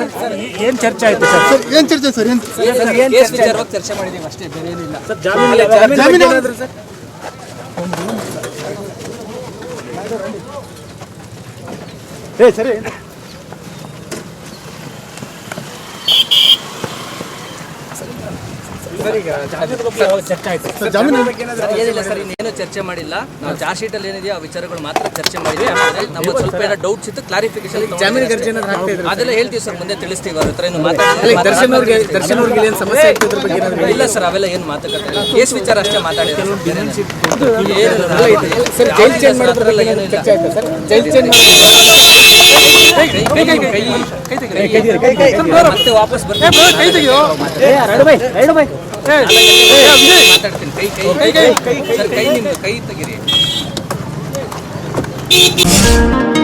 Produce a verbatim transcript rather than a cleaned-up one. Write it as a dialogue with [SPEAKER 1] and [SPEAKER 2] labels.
[SPEAKER 1] ಏನು ಚರ್ಚೆ ಆಯ್ತು ಸರ್?
[SPEAKER 2] ಸರ್ ಏನು ಚರ್ಚೆ ಸರ್? ಏನು
[SPEAKER 3] ಕೇಸ್ ವಿಚಾರವಾಗಿ ಚರ್ಚೆ ಮಾಡಿದ್ದೀವಿ ಅಷ್ಟೇ, ಬೇರೆ ಏನಿಲ್ಲ
[SPEAKER 1] ಸರ್ ಜಾಮೀನು
[SPEAKER 2] ಜಾಮೀನು
[SPEAKER 1] ಸರ್ ಏ ಸರಿ ಚರ್ಚೆ ಆಯ್ತು
[SPEAKER 2] ಸರ್ ಜಾಮೀನು
[SPEAKER 3] ಏನಿಲ್ಲ ಸರ್, ಇನ್ನೇನು ಚರ್ಚೆ ಮಾಡಿಲ್ಲ. ನಾವು ಚಾರ್ಜ್ ಶೀಟ್ ಅಲ್ಲಿ ಏನಿದೆಯೋ ಆ ವಿಚಾರಗಳು ಮಾತ್ರ ಚರ್ಚೆ ಮಾಡಿದ್ವಿ. ನಮ್ಗೆ ಸ್ವಲ್ಪ ಏನೋ ಡೌಟ್ಸ್ ಇತ್ತು, ಕ್ಲಾರಿಫಿಕೇಶನ್
[SPEAKER 4] ಜಾಮೀನು ಗರ್ಜನೆ
[SPEAKER 3] ಅದೆಲ್ಲ ಹೇಳ್ತೀವಿ ಸರ್, ಮುಂದೆ ತಿಳಿಸ್ತೀವಿ. ಅವ್ರ ಹತ್ರ ಏನು ಮಾತಾಡಿಲ್ಲ.
[SPEAKER 4] ದರ್ಶನ್ ಅವ್ರಿಗೆ ದರ್ಶನ್ ಅವ್ರಿಗೆ ಏನು ಸಮಸ್ಯೆ ಆಯ್ತು ಇದ್ರ ಬಗ್ಗೆ ಏನಾದ್ರು
[SPEAKER 3] ಇಲ್ಲ ಸರ್, ಅವೆಲ್ಲ ಏನು ಮಾತಾಡ್ತಾರೆ ಇಲ್ಲ. ಕೇಸ್ ವಿಚಾರ ಅಷ್ಟೇ ಮಾತಾಡಿದ್ರು.
[SPEAKER 4] ಸರ್ ಜೈಲ್ ಚೇಂಜ್ ಮಾಡೋದ್ರಲ್ಲ ಏನು ಚರ್ಚೆ ಆಯ್ತು ಸರ್? ಜೈಲ್ ಚೇಂಜ್
[SPEAKER 3] ಮತ್ತೆ ವಾಪಸ್ ಬರ್ತೀನಿ ಮಾತಾಡ್ತೀನಿ. ಕೈ ಕೈ ಕೈ ಸರ್, ಕೈ ನಿಮ್ದು ಕೈ ತೆಗೀರಿ.